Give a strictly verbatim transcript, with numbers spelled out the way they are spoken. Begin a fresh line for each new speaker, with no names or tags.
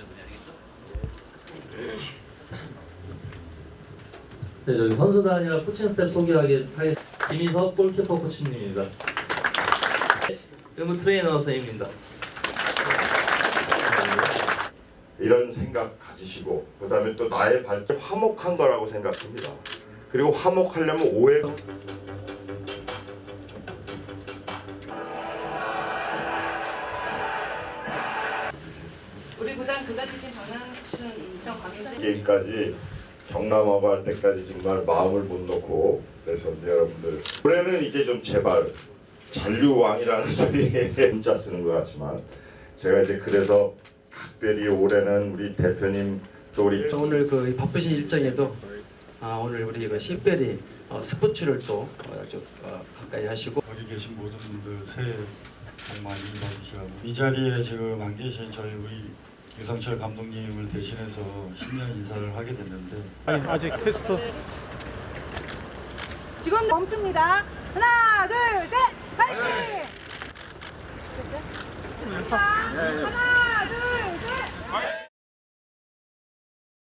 네, 저희 선수단이랑 코칭 스텝 소개하겠습니다. 김희석 골키퍼 코치님입니다. 의무 트레이너 선생님입니다.
이런 생각 가지시고 그 다음에 또 나의 발전 화목한 거라고 생각합니다. 그리고 화목하려면 오해가
우리 구단 그가 주신 방향춘 인천 광역시
게임까지 경남하고 할 때까지 정말 마음을 못 놓고 그래서 여러분들 올해는 이제 좀 제발 잔류왕이라는 소리에 문자 쓰는 것 같지만 제가 이제 그래서 특별히 올해는 우리 대표님 또 우리
오늘 그 바쁘신 일정에도 아, 오늘 우리 그 식별이 어, 스포츠를 또 어, 좀, 어, 가까이 하시고
여기 계신 모든 분들 새해 복 많이 받으시라고 이 자리에 지금 안 계신 저희 우리 유상철 감독님을 대신해서 신년 인사를 하게 됐는데
아직 테스트.
지금 멈춥니다. 하나, 둘, 셋, 파이팅! 하나,